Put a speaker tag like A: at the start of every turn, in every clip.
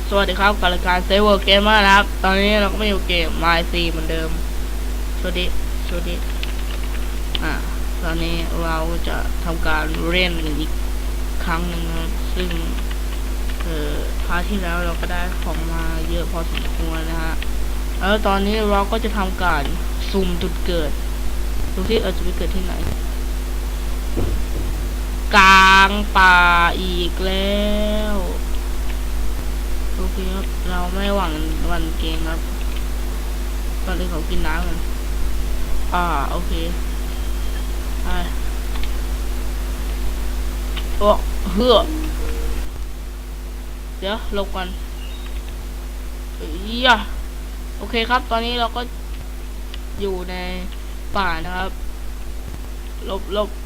A: สวัสดีครับกับรายการเซเวอร์เกมเมอร์นะครับตอนนี้เราก็มาอยู่เกม MyC เหมือนเดิมสวัสดีตอนนี้เราจะทำการเล่นอีกครั้งหนึ่งนะครับซึ่งพาร์ทที่แล้วเราก็ได้ของมาเยอะพอสมควรนะฮะแล้วตอนนี้เราก็จะทำการสุ่มจุดเกิดดูที่จะไปเกิดที่ไหนกลางป่าอีกแล้วโอเคครับเราไม่หวังวันเกมครับตอนนี้เขากินน้ำกันโอเคไปโอ้เฮือเดี๋ยวลบกันโอเคครับตอนนี้เราก็อยู่ในป่านะครับลบ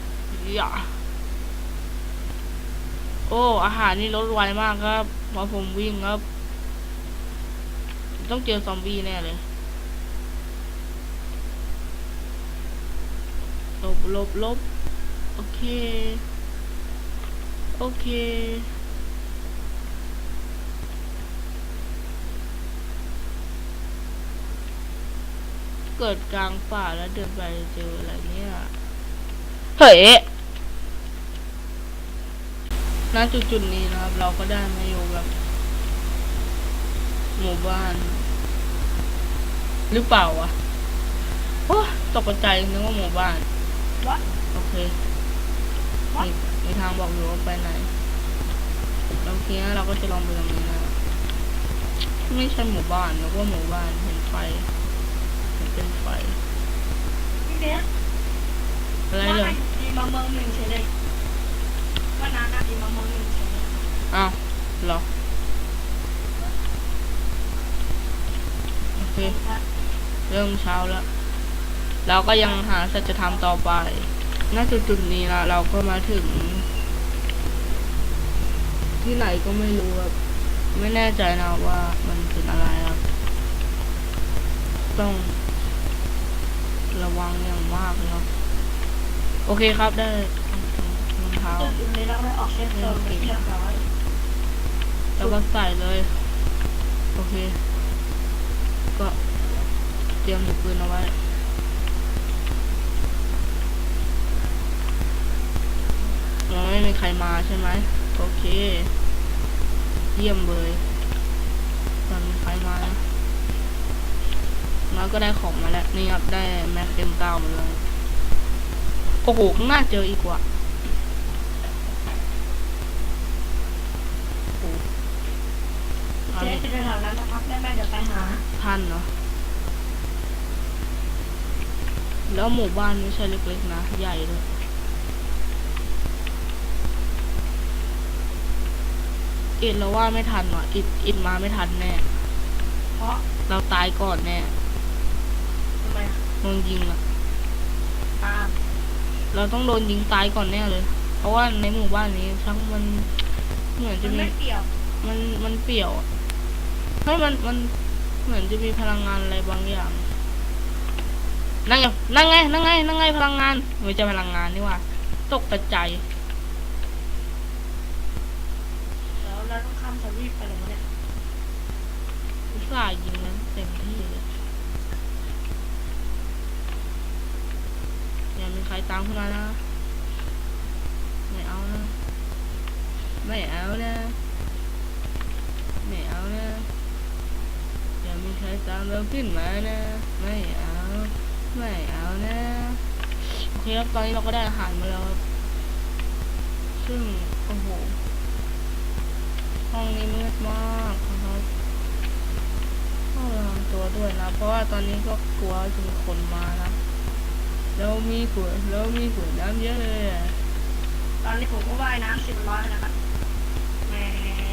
A: โอ้อาหารนี่ลดไวมากครับพอผมวิ่งครับต้องเจอซอมบี้แน่เลยลบโอเคเกิดกลางป่าแล้วเดินไปเจออะไรเนี่ยเฮ้ยณจุดนี้นะครับเราก็ได้มาอยู่แบบหมู่บ้านหรือเปล่าวะโอ้ตกใจนึกว่าหมู่บ้านโอเคมีทางบอกอยู่ว่าไปไหนโอเคเราก็จะลองไปตรงนี้นะไม่ใช่หมู่บ้านนึกว่าหมู่บ้านเห็นไฟเป็นไฟอะไรเลย
B: ดีมาเมืองหนึ่งเฉยเลยว่านานดีมาเมืองหนึ่งเฉยเลย
A: อ้าวเหรอโอเคเริ่มเช้าแล้วเราก็ยังหาสัจธรรมต่อไปณจุดนี้ละเราก็มาถึงที่ไหนก็ไม่รู้ครับไม่แน่ใจนะว่ามันเป็นอะไรครับต้องระวังอย่างมากนะครับโอเคครับได้รองเท้า
B: จุดนี้เราได้ออกเซฟโซนเรียบร้อย
A: แล้วก็ใส่เลยโอเคก็เตรียมถือปืนเอาไว้ไม่มีใครมาใช่ไหมโอเคเยี่ยมเลยตอนมีใครมานะน้อยก็ได้ของมาแล้วนี่ครับได้แม็กเต็มเก้ามาเลยโอ้โหข้างหน้าเจออีกว่ะ
B: เจ๊จะเดินทางนั้นนะครับแม่เดี๋ยวไปหา
A: ท่านเนาะแล้วหมู่บ้านไม่ใช่เล็กๆนะใหญ่เลยอิดเราว่าไม่ทันว่ะอิดมาไม่ทันแน่
B: เพราะ
A: เราตายก่อนแน่
B: ทำไม
A: โดนยิงอ่ะ
B: เรา
A: ต้องโดนยิงตายก่อนแน่เลยเพราะว่าในหมู่บ้านนี้ทั้งมันเหมือนจะมี
B: เปี่ยว
A: มันเปี่ยวเฮ้ยมันเหมือนจะมีพลังงานอะไรบางอย่างนั่งไงพลังงานไม่ใช่พลังงานนี่ว่าตกใจ
B: แล้วเราต้องข้ามสวีปไปเลยเนี่ย
A: อุตส่าห์ยิงนั้นเต็มที่เลยอย่ามีใครตามขึ้นมานะไม่เอานะอย่ามีใครตามเราขึ้นมานะไม่เอานะโอเคครับตอนนี้เราก็ได้อาหารมาแล้วครับซึ่งโอ้โหห้องนี้มืดมากนะครับต้องระวังตัวด้วยนะเพราะว่าตอนนี้ก็กลัวจะมีคนมานะเรามีขวดน้ำเยอะเลย
B: ตอนนี้ผมก็ว่ายน้ำ10 ร้อยนะครับแม่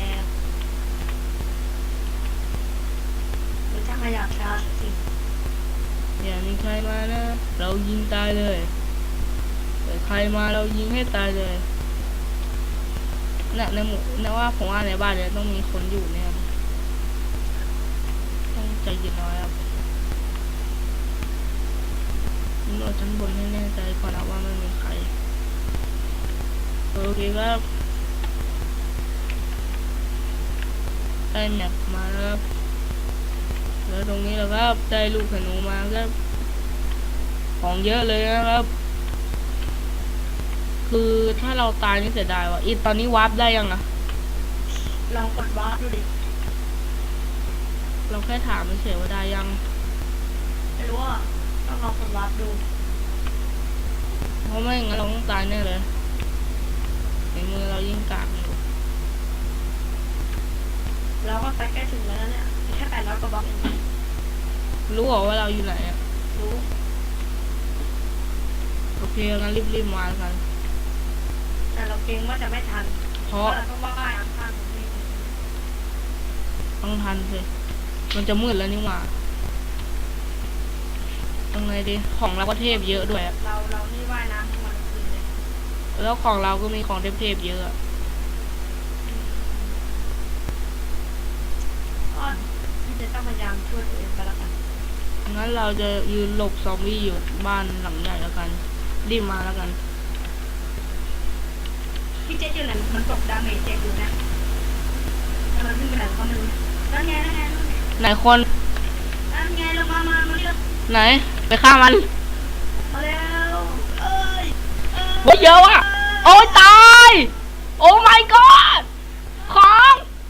B: เป็นช่างขยะช้าสิ
A: อย่ามีใครมานะเรายิงตายเลยแต่ใครมาเรายิงให้ตายเลยในหมู่ว่าผมว่าในบ้านเนี่ยต้องมีคนอยู่เนี่ยต้องใจเย็นน้อยครับโดดชั้นบนให้แน่ใจก่อนนะว่าไม่มีใครโอเคครับได้แมปมาแล้วครับแล้วตรงนี้แล้วครับได้ลูกธนูมาครับของเยอะเลยนะครับ คือถ้าเราตายนี่เสียดายว่ะอีตอนนี้วาร์ปได้ยังอะ
B: ลองกดวาร์ปดูดิ
A: เราแค่ถามเฉยๆว่าได้ยัง
B: ไม่รู้อ่ะต้องลองกดวาร์ปดู
A: เพราะไม่งั้นเราต้องตายแน่เลยในมือเรายิ่งกากอยู่
B: แล้วก็ใกล้ถึงแล้วเนี่ยแค่800กว่าบล็อกเอง
A: รู้เหรอว่าเราอยู่ไหนอะ
B: รู้
A: โอเคงั้นรีบๆมาแล้วกัน
B: แต่เราเกรงว่าจะไม่ทัน
A: เพ
B: เพ
A: ราะ
B: ราะเราต้องว่ายข้างๆตรงนี้
A: ต้องทันสิมันจะมืดแล้วนี่หว่ายังไงดีของเราก็เทพเยอะด้วยอะ
B: เรานี่ว่ายน้ำทั้งวันทั้งคืนเลย
A: แล้วของเราก็มีของเทพๆเยอะอะ
B: ก็ที่จะต้องพยายามช่วยตัวเองไปแล้วกัน
A: งั้นเราจะยืนหลบซอมบี้อยู่บ้านหลังใหญ่แล้วกันรีบมาแล้วกัน
B: พี่เจ๊อยู่ไหนมันตกดาเมจเจ๊อยู่นะแต่มันขึ้นไปไหนก็ไม่รู้นั่นไงนั่นไงนั่นไง
A: ไหนคน
B: นั่นไงลงมาเร็ว
A: ไหนไปฆ่ามัน
B: มาเร็วเอ้ย
A: โอ้ยเยอะอะโอ้ยตายโอ้ my god ของ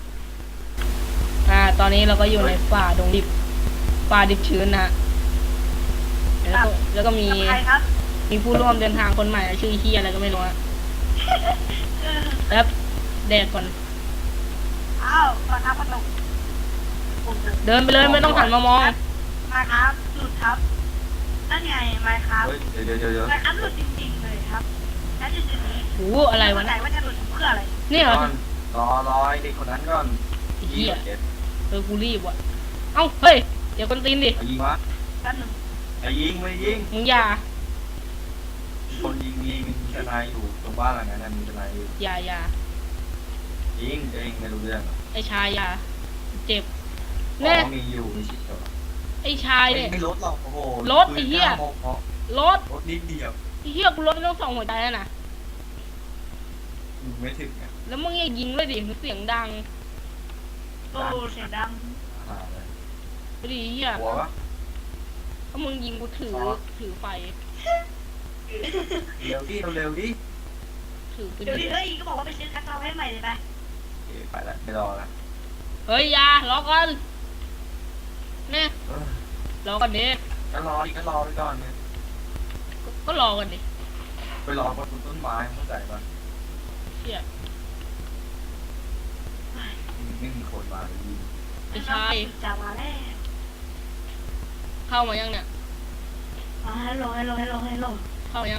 A: ตอนนี้เราก็อยู่ในป่าดงดิบป่าดิบชื้นนะฮะแล้วก็มี
B: ใครครับ
A: มีผู้ร่วมเดินทางคนใหม่ชื่อเฮียอะไรก็ไม่รู้อะแล้วแดกก่อน
B: อ้าวประทับประตู
A: เดินไปเลยไม่ต้องหันมามอง
B: มาครับหลุดครับนั่นไงมาครับ
C: เฮ้ยเดี๋ยว
B: มาครับหลุดจริงๆเลยครับแล้วจุดๆนี้
A: โอ้อะไรวะ
B: ไหน
A: เนี่ย
B: ว่าจะหลุดเพื่ออะไร
A: นี่เหรอ
C: ก่อนรอไอ้เด็กคนนั้นก่อน
A: ไอ้เฮีย
C: เจ็ด
A: กูรีบว่ะเอ้าเฮ้ยเดี๋ยวคนตีนดิ
C: ไอ้ยิงวะ
B: แป๊บหนึง
C: ไอ้ยิงไม่ยิง
A: มึงอย่า
C: คนยิงมีทนายอยู่ตรงบ้านหลังนั้นมีทนายอยู่
A: อย่า
C: ยิงเองไม่รู้เรื่อง
A: ไอ้ชายอย่าเจ็บ
C: อ๋
A: แน่
C: อมีอยู่มีชิดเหรอ
A: ไอ้ชายเนี่ย
C: ไม่ลดหรอกโอ้โห
A: รถไอ้เหี้ย รถ
C: รถนิดเดียว
A: ไอ้เฮียกูรถไม่ต้องส่องหัวใจแล้วนะ
C: ไม่ถึงอ่ะ
A: แล้วมึงอย่ายิงเลยดิเสียงดัง
B: โอ้เสียงดัง
C: เลย
A: ไปดิเฮีย
C: หัววะ
A: ถ้ามึงยิงกูถือไฟ
C: เร็วดิเร็วดิ
A: ถือปืน
B: เดี๋ยวดิเฮ้ยก็บอกว่าไปซื้อคัตเตอร์ให้ใหม่เลยไป
C: ไปละไม่รอละ
A: เฮ้ยอยารอก่อนเนี่ย
C: เออ
A: รอก่อนดิ
C: ก็รอดิก็รอไปก่อนเนี่ย
A: ก็รอก่อนดิ
C: ไปรอบนต้นไม้เข้าใจปะ
A: เฮีย
C: ไม่มีคนมาเลยยิง
A: ไอ้ชาย
B: จะมาแล้ว
A: เข้ามายังเนี่ย
B: ฮัลโหล
A: เข้ามายัง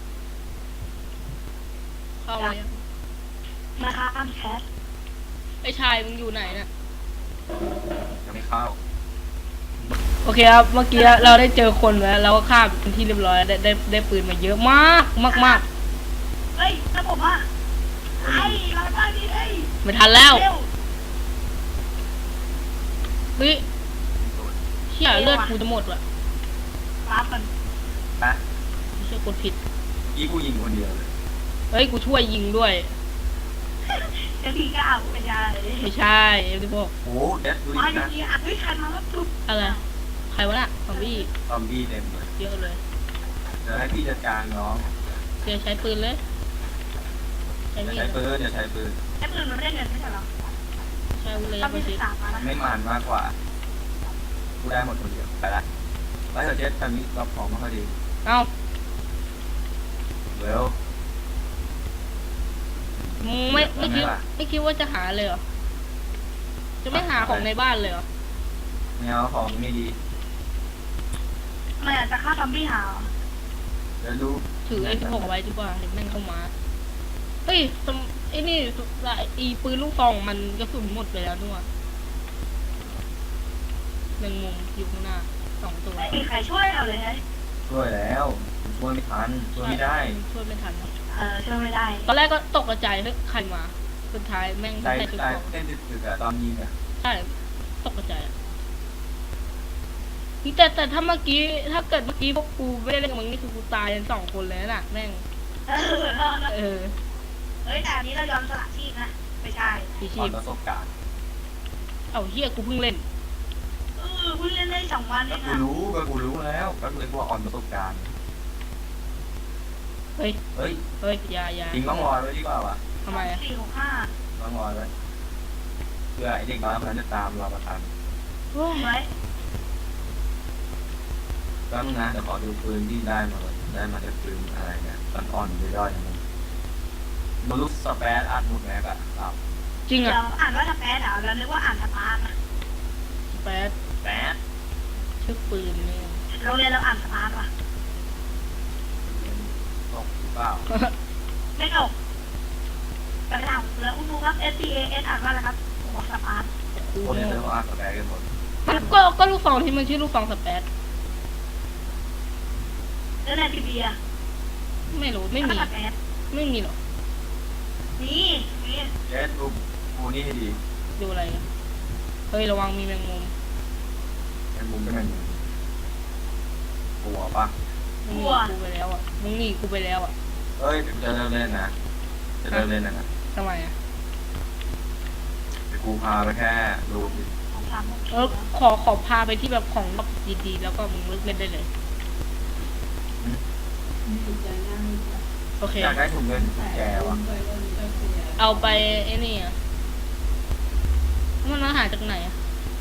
A: เข้ามายัง
B: มาครับแคท
A: ไอ้ชายมึงอยู่ไหนเนี่ย
C: ยังไม่เข้า
A: โอเคครับเมื่อกี้เราได้เจอคนแล้วเราก็ฆ่าเป็นที่เรียบร้อยแล้วได้ปืนมาเยอะมาก
B: เฮ้ยแล้วผมอ่ะไอ้เราได้ดิเฮ้ย
A: ไม่ทันแล้ว
B: เร็ว
A: เฮ้ยเชี่ยเลือดกูจะหมดว่ะ
B: รับมัน
C: นะ
A: เชี่ยกดผิด
C: ยี่กูยิงคนเดียวเลย
A: เฮ้ยกูช่วยยิงด้วย
B: จะทีก็เอาไปยาเลย
A: ไม่ใช่เอฟดิพวก
C: โอ้เด็ดดู
B: มา
C: ดิ
B: อยู่
C: นะ
B: ดีอ่ะเฮ้ยใครมาแล้วปุ๊บ
A: อะไรใครวะน่ะซอมบี้
C: ซอมบี้เต็มเลย
A: เยอะเลย
C: เดี๋ยวให้พี่จัดการน้อง
A: เดี๋ยวใช้ปืนเลยใช้
C: อย่า
A: มีด
C: ใช้ปืนอย่าใช้ปืน
B: ไอ้ปืนมันไม่ได้เงินไม่ใช่เหรอ
A: ใช้อาวุธเลย
B: ต้อง
A: ไป
B: มี
A: สิ
B: 13มานะ
C: ไม่มันมากกว่ากูได้หมดคนเดียวไปละไปเถอะเจ็ดตอนนี้รับของมาพอดี
A: เอ้า
C: เร็ว
A: มึงไม่คิดว่าจะหาเลยเหรอจะไม่หาของในบ้านเลยเหรอ
C: ไม่เอาของไม่ดี
B: มันอาจจะฆ่าซอมบี้หา
C: เดี๋ยวดู
A: ถือไอ้พกไว้ดีกว่าเดี๋ยวแม่งเข้ามาเฮ้ยไอ้นี่อีปืนลูกซองมันกระสุนหมดไปแล้วด้วยแมงมุมอยู่ข้างหน้า2 ตัว
B: ไม่มีใครช่วยเราเลยนะ
C: ช่วยแล้วช่วยไม่ทันช่วยไม่ได้
A: ช่วยไม่ทันนะ
B: ช่วยไม่ได้
A: ตอนแรกก็ตกใจเฮ้ยใครมาสุดท้ายแม่ง
C: ใจ
A: ใส่ชุด
C: ใจ
A: เกราะ
C: เต้นตึกๆอะตอนยิงอะ
A: ใช่ตกใจอะนี่แต่ถ้าเมื่อกี้ถ้าเกิดเมื่อกี้พวกกูไม่ได้เล่นกับมึงนี่คือกูตายกัน2 คนเลยน่ะแม่งเออ
B: เฮ้ยแต่อันนี้เรายอมสละชีพนะไม่ใช่
A: พี่
C: ต
A: ชี
C: อน
A: พ
C: ประสบการณ์
A: เอ้าเฮียกูเพิ่งเล่น
B: เพิ่งเล่นได้2 วันเอ
C: ก็
B: ง
C: กู
B: อ่ะ
C: รู้ก็กูรู้แล้วก็เลยว่าอ่อนประสบการณ์
A: เฮ้ย
C: เฮ้ย
A: เฮ้ยอย่า
C: ทิ้งร่องรอยไว้ดีกว่าวะ
A: ทำไมอะ
B: 465
C: ร่องรอยไว้เพื่อไอเด็กน้อยคนนั้นจะตามเรามาทัน
A: โอ้ย
B: ไว้
C: ก็มึงนะเดี๋ยวขอดูปืนที่ได้มาเลยได้มาจากปืนอะไรเนี่ยอ่อนๆย่อยๆนะมึงลูกสเปซอัดหมดแม็กอะครับ
A: จริง
B: เดี๋ย
A: อ่ะ
B: วอ่านว่าสเปซเหรอแล้วนึกว่าอ่านสปาร์นะ
A: แปด
C: แปด
A: ชื่อปืนนี่
B: โรงเรียนเราอ่านสปาร์ว่ะ
C: ตกหรือเปล่า
B: ไม่ตกกระดาษแล้วคุณดูครับ SPAS อ่านว่าอะไรครับบอกสปาร์
A: กู
C: คนเนี่ยเราอัดสเปซกันหมด
A: ก็ลูกซองที่มันชื่อลูกซองสเปซ
B: แล้วในทีวีอ่ะ
A: ไม่รู้ไม่มี
B: สเปซ
A: ไม่มีหรอก
B: นี่นี่
C: เจสดูกูนี่ให้ดี
A: ดูอะไรกันเฮ้ยระวังมีแมงมุม
C: เป็นมุมเป็นมุมกลัวปะ
A: มึงหนีกูไปแล้วอ่ะมึงหนีกูไปแล้วอ่ะ
C: เฮ้ยจะเลิกเล่นนะจะเลิกเล่นนะ
A: ทำไมอ่ะ
C: แต่กูพาไปแค่ดู
B: ของสาม
A: ขอพาไปที่แบบของแบบดีๆแล้วก็มึงเลิกเล่นได้เลยโอเค
C: อยากได้ถุงเงินถุงแจวะ
A: เอาไปไอ้นี่อ่ะมันมาหาจากไหนอ่ะ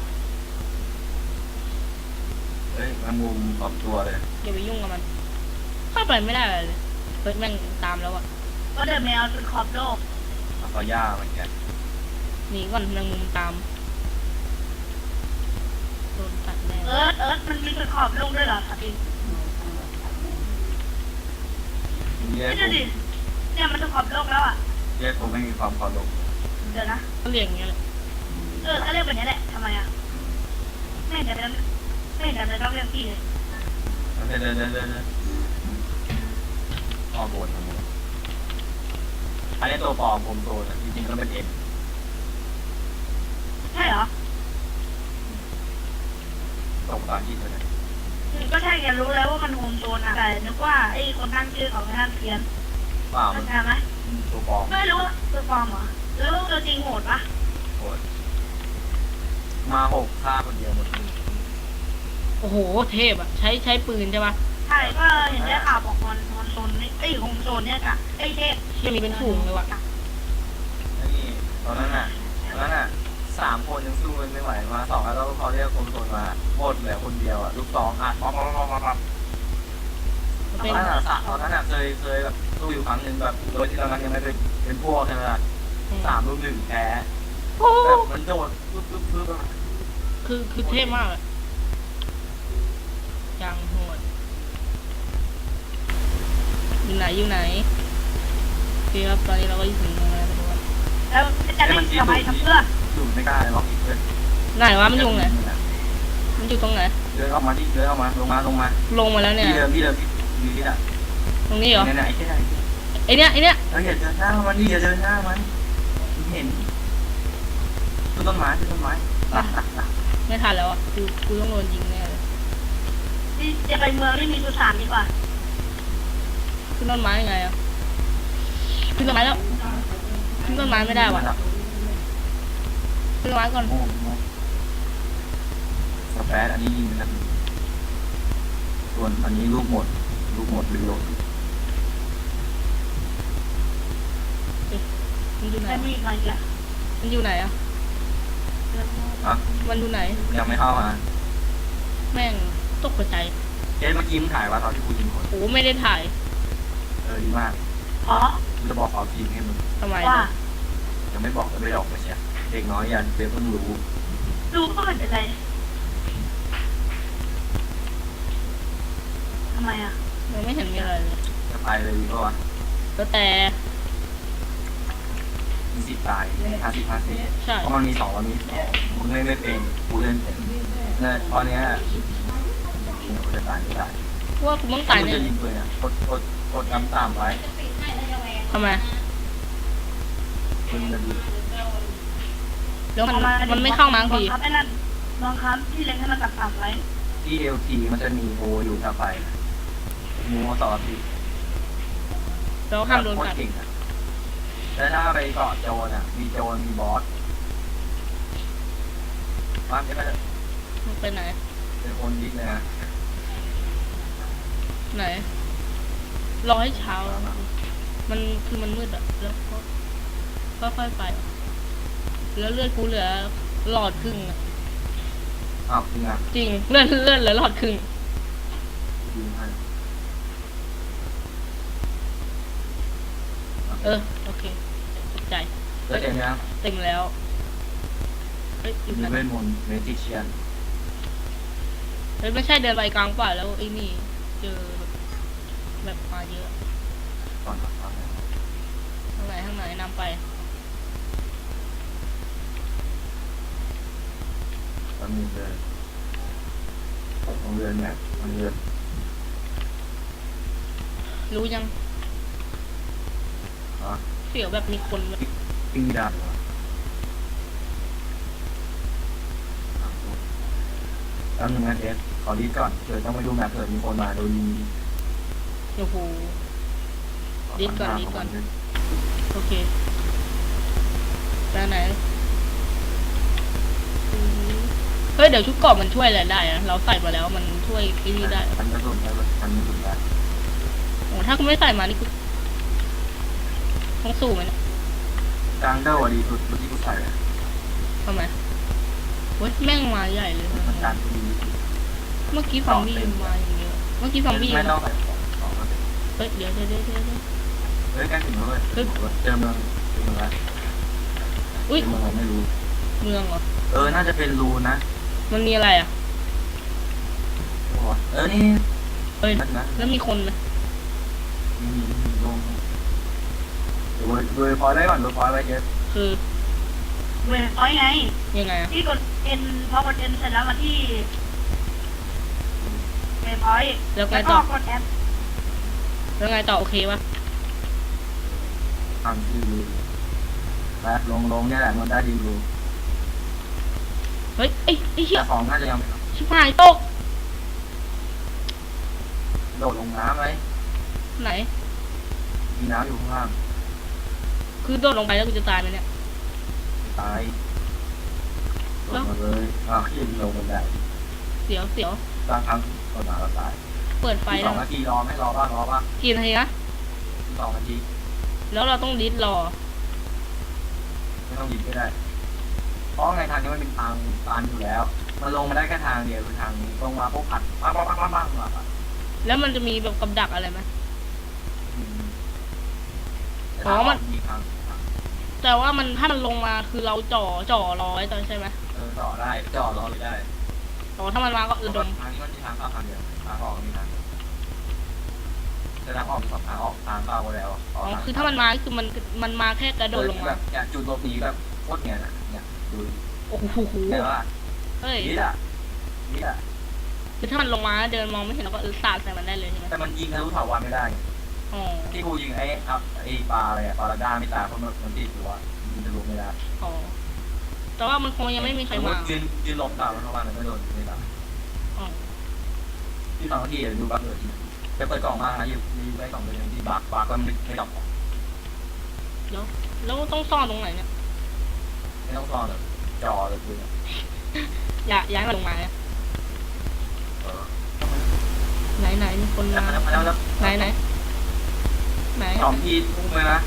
C: เฮ้ยมันมุมสองตัวเลย
A: อย่าไปยุ่งกับมันเข้าไปไม่ได้เลยเฮ้ยแม่งตามแล้วอ่ะ
B: ก็เดินแมวจนขอบโลก
C: เอาต่อย่าเหมือนกัน
A: หนีก่อนแมงมุมตามโดนตัดแน่
B: เอิร์ธมันมีจนขอบโลกด้วยเหรอสัตว์
C: เรียก
B: นี่
C: ผ
B: ดู
C: ม
B: ดิเนี่ยมันจนขอบโลกแล้วอ่ะ
C: เรียกผมไม่มีความเคารพ
B: เดี๋ยวนะ
A: ก็เรียกอย่างเงี้ยแหละ
B: ก็เรียกแบบนี้แหละทำไมอ่ะไม่เห็นจะไม่เห็นจะต้องเรียกพี่เลย
C: เดินออกบนทั้งหมดอันนี้ตัวปลอมผมโซนจริงๆก็เป็นเอ็ม
B: ใช่เหรอ
C: ตกตามที่เลย
B: ก็ใช่แกรู้แล้วว่ามันโฮมโซนอ่ะแต่นึกว่าไอ้คนตั้งชื่อของท่านเพียน
C: เปล่ามัน
B: เข้าใจไหม
C: ตัวปลอม
B: ไม่รู้ตัวปลอมเหรอแล้วตัวจริงโหดปะ
C: โหดมาหกฆ่าคนเดียวหมดเลย
A: โอ้โหเทพอ่ะใช้ปืนใช่ปะ
B: ใช่ก็เห็นได้ข่าวบอกมันโซนนี่ไอ้โฮมโซนเนี่ยกะไอ้เทพ
A: เชี่ยมีเป็นฝูงเลยว่ะ
C: นี่ตอนนั้นน่ะ3 คนยังสู้กันไม่ไหวมา2แล้วเขาเรียกคนโซนมาหมดเหลือคนเดียวอ่ะลูก2อัดป๊อป
A: มัน
C: ต
A: เป็น
C: อนนั้นอ่ะเคยแบบสู้อยู่ครั้งหนึ่งแบบโดยที่ตอนนั้นยังไม่เป็นพวกใช่ไหมล่ะ3-1แพ้
A: โอ้
C: แบบมันโดดปึ๊บ
A: คือเทพมากอะจังโหดอยู่ไหนโอเคครับตอนนี้เราก็อยู่ถึงตรงนั้นแล้ว
B: แล้วจะเล่นทำไมทำเพื่อ
C: อยู่ไม่กล้าเลยล็อกอีกเลย
A: ไหนวะมันอยู่ไหนมันอยู่ตรงไหน
C: เดินออกมาที่เดินออกมาลงมา
A: ลงมาแล้วเนี่ย
C: ที่เดิมที่อ่ะ
A: ตรงนี้เหรอ
C: ไหน
A: ไอเนี้ย
C: แล้วอย่าเดินหน้ามันนี่อย่าเดินหน้ามันเห็นต้นไม้
A: ไม่ทันแล้วอ่ะกูต้องโดนยิงแน่เลย
B: จะไปเมืองที่มีสุสานดีกว่า
A: ขึ้นต้นไม้ยังไงอ่ะขึ้นต้นไม้แล้วขึ้นต้นไม้ไม่ได้ว่ะขึ้นต้นไม้ก่อน
C: โอ้สเปซอันนี้ยิงนะส่วนอันนี้ลูกหมดรีโหลด
A: มันอยู่ไหน
B: แต่มีอะไรอ่ะ
A: มันอยู่ไหนอ่ะ
C: อ่ะ
A: มันอยู่ไหน
C: ยังไม่เข้ามา
A: แม่งตกใจ
C: เจ๊เมื่อกี้มึงถ่ายว่าตอนที่กูยิงคน
A: โอ้ไม่ได้ถ่าย
C: ดีมาก
B: อ๋อ
C: กูจะบอกเอาทีมให้มึง
A: ทำไม
B: ว่า
C: ยังไม่บอกก็ไม่ออกไปเชียเด็กน้อยยันเจ๊เพิ่งรู้
B: รู้ก็ไม่เป็นไรทำไมอ่ะ
A: ยังไม่เห็นมีอะไรเลย
C: จะไปเลยดีกว่า
A: แล้วแต่
C: มี10 ตาย50
A: ใช่
C: เพราะมันมี2แล้วมี2มึงไม่เป็นกูเล่นเป็นเนี่ยตอนเนี้ยกูจะตายไม่ได้
A: ว่ากูต้องตาย
C: กู
A: เนี่ย
C: จะยิงปืนอ่ะกดตามไว้
A: ทำไม
C: ปืนจะดี
A: แล้วมันไม่เข้ามาที
B: บังคับไอ้นั่นบังคับที่เล็งให้มันต่ำๆไว้
C: ที่ LT มันจะมีโออยู่ถ้าไปมูต่อที่
A: แล้วห้ามโดนกัด
C: เก่งอ่ะแต่ถ้าไปเกาะโจรอ่ะมีโจรมีบอสบ้านนี้ก็จะ
A: มันไปไหน
C: เป็นคนดิสเลยนะ
A: ไหน รอให้เช้าแล้วมันคือมันมืดอะแล้วก็ค่อยๆไปอะแล้วเลือดกูเหลือหลอดครึ่งอะ
C: อ้าวจริงอ่ะ
A: จริงเลื่อนเหลือหลอดครึ่ง
C: ยิงให้
A: โอเคตกใจ
C: แล้วเต็มยัง
A: เต็มแล้วเฮ้ยอยู่
C: มี
A: นั่น
C: เวทมนต์เมจิเชียน
A: เฮ้ยไม่ใช่เดินไปกลางป่าแล้วไอ้นี่เจอแบบมาเยอะ
C: ก่อนครับ
A: ข้างไหนนำไป
C: แล้วมีเดินโรงเรียนแบบโรงเรียน
A: รู้ยัง
C: อ่ะ
A: เสียวแบบมีคนแบบ
C: ปิ้งดาบเหรอแล้วหนึ่งนะเอสขอรีดก่อนเผื่อต้องไปดูแมพเผื่อมีคนมาโดนยิง
A: โอ้โห รีดก่อน โอเคไปไหนเฮ้ยเดี๋ยวชุดเกราะมันช่วยอะไรได้อะเราใส่มาแล้วมันช่วยไอ้นี่ได้
C: ทันกระสุนได้ทันกระสุนได้
A: โอ้ถ้ากูไม่ใส่มานี่กูต้องสู้ไหมเนี่ย
C: กลางเด้าดีสุดที่กูใส่อะ
A: ทำไมเฮ้ยแม่งมาใหญ่เลย
C: มันการดี
A: เมื่อกี้ซอมบี้มาอย่างเยอะเมื่อกี้ซอมบี้
C: ไม่ต้องใส่ของ
A: เฮ้ยเดี๋ยว
C: เฮ้ยใกล้ถึงแล้วเลยเจอเมืองแล้ว
A: อุ้ย
C: เมืองไม่รู้
A: เมืองเหรอ
C: น่าจะเป็นรูนะ
A: มันมีอะไรอ่ะ
C: นี่
A: เฮ้ย
C: นะ
A: แล้วมีคนไหม
C: มีลงโดยพอได้ก่อนโดยพอไว้เยอะ
A: คือ
B: เวทพอยต์ไง
A: ยังไงอ่ะ
B: ที่กดเอ็นพอกดเอ็นเสร็จแล้วมาที่เวทพอยต์
A: แล้วไง
B: แล้ว
A: ต่
B: ก็
A: อก
B: ดแอป
A: แล้วไงต่อโอเคปะ
C: ทำที่รูแบบลงเนี่ยแหละมันได้ดีรู
A: เฮ้ยไอ้เหี้ย
C: แต่ของน่าจะยัง
A: ชิบหายตก
C: โดดลงน้ำไหม
A: ไหน
C: มีน้ำอยู่ข้างล่าง
A: คือโดดลงไปแล้วกูจะตายไหมเนี่ย
C: ตายโดดมาเลยขึ้นลงบันได
A: เสียว
C: บางครั้งโดดมาแล้วตาย
A: เปิดไฟ
C: ส
A: แล้
C: อ
A: ว
C: งนาทีรอไหมรอป่ะ
A: กี่นาทีนะ
C: 2 นาที
A: แล้วเราต้องดิสรอ
C: ไม่ต้องยิงก็ได้ เพราะไงทางนี้มันเป็นทางตันอยู่แล้ว มันลงมาได้แค่ทางเดียวคือทางนี้ลงมาพวกผัดปังมา
A: แล้วมันจะมีแบบกับดักอะไรไหม
C: มีทาง
A: แต่ว่ามันถ้ามันลงมาคือเราจ่อรอไว้ตอนใช่ไหม
C: ต่อได้จ่อรอเลยได้
A: อ๋อถ้ามันมาก็ดม
C: ทางนี้มันมีทางเข้าทางเดียวทางออกมีทางจะทางออก2 ทางออกทางเข้าแล้ว
A: อ๋อคือถ้ามันมาคือมันมาแค่กระโดดลง
C: แบ
A: มา
C: บเนี่ยจุดหลบหนีแบบโคตรเนี่ยนะเนี่ยดู
A: โอ้โห
C: แต่ว่า
A: เฮ้ย
C: นี่อ่ะ
A: คือถ้ามันลงมาเดินมองไม่เห็นเราก็สาดใส่มันได้เลยใช่ไหม
C: แต่มันยิงทะลุถาวรไม่ได้
A: อ๋อ
C: ที่กูยิงไอ้ปลาอะไรปลาด้าไม่ตายเพราะมันติดอยู่อะยิงทะลุไม่ได้
A: อ๋อแต่ว่ามันคงยังไม่มีใครมา
C: ยืนหลบตามมันเข้ามามันไม่โดนไม่ตาย
A: อ๋อ
C: ที่2 นาทีดูบักเลยจะเปิดกล่องมาอยู่ไป2 เป็นที่บักก็ไม่ดอก
A: แล้วต้องซ่อนตรงไหนเนี่ย
C: ไม่ต้องซ่อนเลยจอเลยคือ
A: ย้ายมาลงมาเนี่ย
C: เออ
A: ไหนมีคนมา
C: แล้ว
A: ไหน
C: 2 ทีพุ่งเลยนะ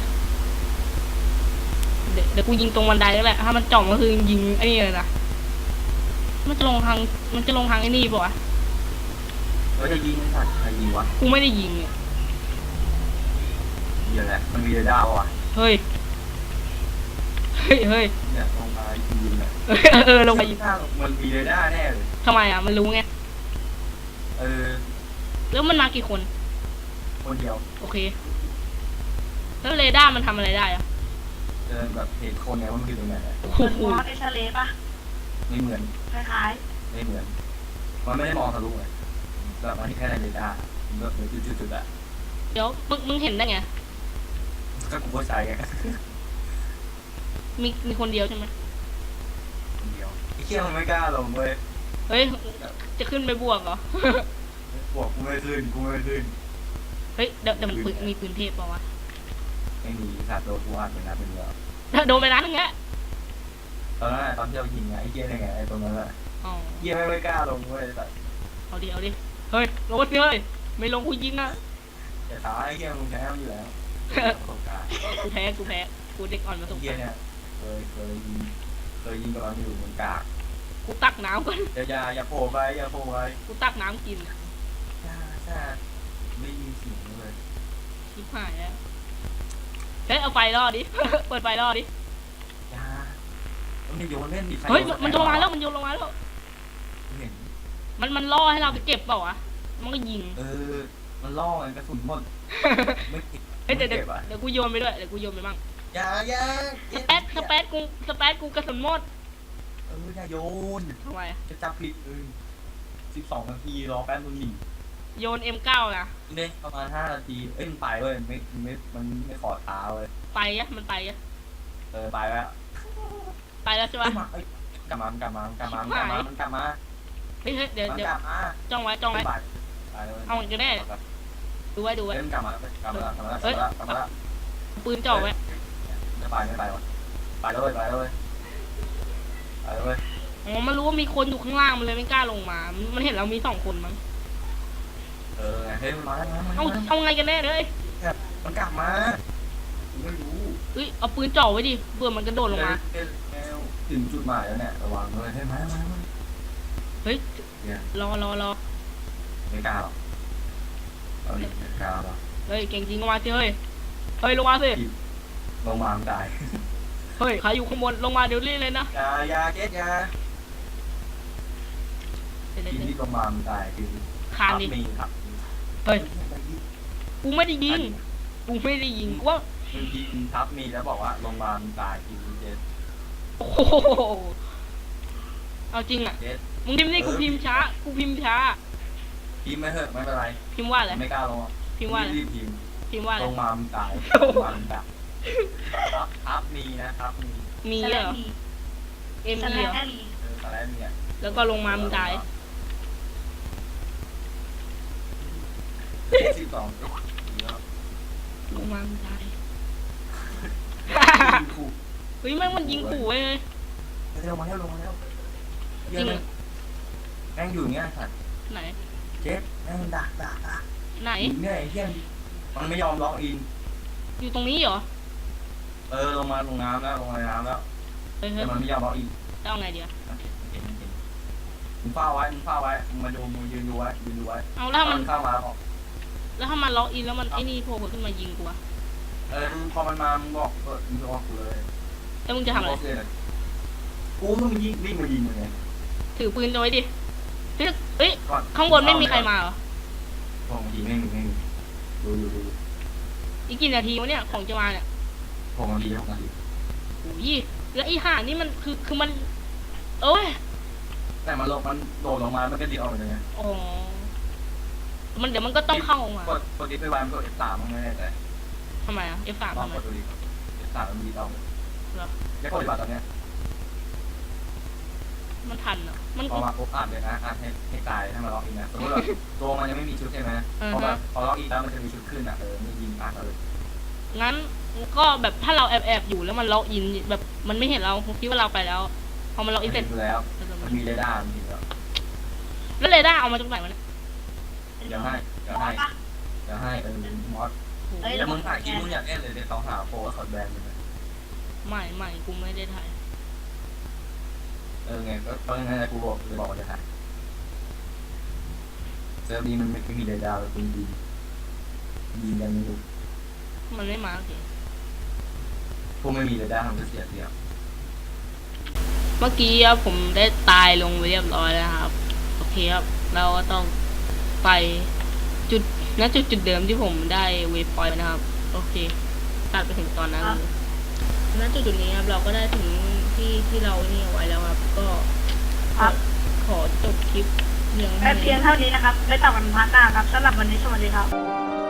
A: เดี๋ยวกูยิงตรงบันไดแล้วแหละถ้ามันจ่องก็คือยิงไอ้นี่เลยนะมันจะลงทางไอ้นี่ป่ะวะ
C: จะยิงไม่ทันใครยิงวะ
A: กูไม่ได้ยิงเนี่ย
C: เดี๋ยวแหละมันมีเรดาร์ว่ะ
A: เฮ้ย
C: เนี่ยลงมายิงเลย
A: ลงไป
C: มันมีเรดาร์แน่เลย
A: ทำไมอ่ะมันรู้ไง แล้วมันมากี่คน
C: คนเดียว
A: โอเคแล้วเรดาร์มันทำอะไรได้อ่ะ
C: เดินแบบเห็นคนไงว่ามันอยู่ตรงไหน
A: โอ้
B: เหมือน
A: โห
B: มอสเอ็กซเรย์ป่ะ
C: ไม่เหมือน
B: คล้าย
C: ไม่เหมือน มันไม่ได้มองทะลุเลยแบบมันแค่ในเรดาร์แบบเหมือนจุดๆอะ
A: เดี๋ยวมึงเห็นได้ไง
C: ก็กูก็ใช้ไง
A: มีคนเดียวใช่ไหม
C: คนเดียวไอ้เชี่ยมันไม่กล้าลงเว้ย
A: เฮ้ยจะขึ้นไปบวกเหรอ
C: บอกกูไม่ขึ้น
A: เฮ้ยเดี๋ยวมันมีปืนเทพเปล่าวะ
C: ไม่มีสัตว์โดนกูอัดเป็นนัดเป็นเดียว
A: โดนไปนัดนึงแก
C: เตอนนั้นตอนที่เรายิงไงไอ้เกียร์ยังไงไอ้ตรงนั้นแหละ
A: อ๋อ
C: เกียร์ไม่กล้าลงเว้ยแต่
A: เอาดิเอาดิเฮ้ยลงมาสิเฮ้ยไม่ลงกูยิงนะ
C: แต่ตายไอ้เกียร์มึงแพ้มันอยู่แล้วประสบการณ์
A: กูแพ้กูเด็กอ่อนมาส
C: ไอ้
A: ง
C: เกียร์เนี่ยเคยยิงกับมันอยู่เหมือนกาก
A: กูตักน้ำก่อน
C: อย่าโผล่ไปอย่าโผล่ไป
A: กูตักน้ำกิน
C: ใช่ไม่ยินเสียงเลย
A: ชิบหายแล้วเฮ้ยเอาไฟล่อดิ เปิดไฟล่อดิ
C: อย่ามันโยนเล่นดิ
A: เฮ้ยมันโยนลงมาแล้วมันโยนลงมาแล้ว
C: เห็น
A: มันล่อให้เราไปเก็บเปล่าวะมันก็ยิง
C: มันล่อไงกระสุนหมดไม่เก็บ
A: เฮ้ยเดี๋ยว
C: เก็บอ่ะ
A: เดี๋ยวกูโยนไปด้วยเดี๋ยวกูโยนไปบ้าง
C: อย่า
A: สเปซกูกระสุนหมด
C: อย่าโยน
A: ทำไมอะ
C: จะจับผิด12 นาทีรอแป๊บนึงหนี
A: โยน M9 นะ
C: เนี่ยประมาณ5 นาทีมันไปเว้ยมันไม่ขอท้าเว้ย
A: ไปอะมันไปอะ
C: ไปแล้ว
A: ไปแล้วใช่ปะ
C: กลับมามันกลับมา
A: เฮ้ยเดี๋ยว
C: มัน
A: เดี๋ยว
C: กลับมา
A: จ้องไว้
C: ไปเลย
A: เอามันก็ได้ดูไว้
C: มันกลับมาแล้ว
A: ปืนจ่อไว้
C: ไม่ไปวะไปเลย
A: อ๋อมันรู้ว่ามีคนอยู่ข้างล่างมันเลยไม่กล้าลงมามันเห็นเรามี2 คนมั้ง
C: เฮ้ยมันมาแล้ว
A: เอาไงกันแน่เลย
C: มันกลับมาไม่รู้
A: เอ้ยเอาปืนจ่อไว้ดิเบื่อมันกระโดดลงมา
C: ถึงจุดหมายแล้วเนี่ยระวังเลยให้มา
A: เฮ้ยรอ
C: ไม่กล้าหรอกไม่กล้าหรอก
A: เฮ้ยเก่งจริงลงมาสิเฮ้ยลงมาสิ
C: ลงมาไม่ได้
A: เฮ้ยใครอยู่ข้างบนลงมาเดี๋ยวรีบเลยนะ
C: อย่าเจ๊ยาทีนี้ลงมาไม่ได้คือ
A: คานดิ
C: มีครับ
A: เฮ้ยกูไม่ได้ยิงกูว่า
C: มึงยิงทับมีแล้วบอกว่าลงมาไม่ได้คือเจ๊
A: โอ้โหเอาจริงอ่ะ
C: เจ๊
A: มึงพิมพ์นี่กูพิมพ์ช้า
C: พิมพ์ไม่เถอะไม่เป็นไร
A: พิมพ์ว่าอะไร
C: ไม่กล้าลง
A: พิมพ์ว่าอะไร
C: รีบพิมพ์
A: พิมพ์ว่าอะไร
C: ลงมามันตายทับมีนะครับมี
A: มีเหรอ M
B: สแล
A: เหรอ
B: มี
C: ตอนแรกเนี่ย
A: แล้วก็ลงมามึงตาย
C: 12
A: ลงมามึงตาย
C: ขู่
A: เฮ้ยแม่งมันยิงขู่เว้ย
C: ลงมาแล้วเยอะเลยแม่งอยู่เงี้ยสัตว์
A: ไหน
C: เจ๊แม่งดัก
A: ไหน
C: เนี่ยไอ้เหี้ยมันไม่ยอมล็อกอิน
A: อยู่ตรงนี้เหรอ
C: ลงมาลงน้ำแล้วลงในน้ำแล้ว
A: เฮ้ย
C: แต่มันไม่ยอมล็อกอิน
A: เอาไงเดียว
C: เห็นมึงเฝ้าไว้มึงมาดูมึงยืนดูไว้
A: เอาแล้วถ้ามัน
C: เข้ามาบอก
A: แล้วถ้ามันล็อกอินแล้วมันไอ้นี่โผล่ขึ้นมายิงกูอะ
C: พอมันมามึงบอกมึงบอกกูเลย
A: แล้วมึงจะทำอะไร
C: กูมึงยิงวิ่งมายิงมึงไง
A: ถือปืนเอาไว้ดิเฮ้ยข้างบนไม่มีใครมาเหรอ
C: พอมึงยิงไม่มีดู
A: อีกกี่นาทีวะเนี่ยของจะมาเนี่ย
C: 6 นาที
A: โอ้ยแล้วไอ้ห่านี่มันคือมันเอ้ย
C: แต่มันโดดลงมามันก็ดีออกไปเลยไง
A: อ๋อมันเดี๋ยวมันก็ต้องเข้ามาก
C: ดดิไปวางกด F3 มันไม่ได้แต่
A: ทำไมอ่ะ F3
C: ลอง
A: ทำไม
C: กดดูดิ F3 มันดีต้อง
A: เหรอ
C: จะกดดีกว่าตอนเนี้ย
A: มันทันเหรอมัน
C: พอมาปุ๊บอ่านเลยนะอ่านให้ตายให้มาล็อกอินนะสมมติว่าตัวมันยังไม่มีชุดใช่ไหมพอล็อกอินแล้วมันจะมีชุดขึ้นอ่ะไม่ยิงอ่านเลย
A: งั้นก็แบบถ้าเราแอบอยู่แล้วมันล็อกอินแบบมันไม่เห็นเราคิดว่าเราไปแล้วพอมันล็อกอินเสร็จ
C: แล้วมันมีเรดาร์มันมีแล้ว
A: แล้วเรดาร์เอามาจากไหนวะเนี่ย
C: เดี๋ยวให้มอสแล้วมึงถ่ายคลิปมึงอยากเล่นเลยเดี๋ยวเขาหาโปรสอดแบนเลย
A: ไม่กูไม่ได้ถ่าย
C: ไงก็ยังไงกูบอกจะบอกว่าจะถ่ายเซิร์ฟนี้มันไม่มีเรดาร์เลยคุณยิงกันไม่รู้
A: มันไม่มาโอเค
C: พวกไม่มีเรดาร์ทำจะเสียเปรียบ
A: เมื่อกี้ผมได้ตายลงไปเรียบร้อยแล้วครับโอเคครับเราก็ต้องไปจุดเดิมที่ผมได้เวฟพอยต์นะครับโอเคตัดไปถึงตอนนั้นเลยณจุดนี้ครับเราก็ได้ถึงที่เรานี่เอาไว้แล้วครับก็ขอจบคลิปเพียง
B: เพียงเท่านี้นะครับไม่ต่อกันพาร์ทหน้าครับสำหรับวันนี้สวัสดีครับ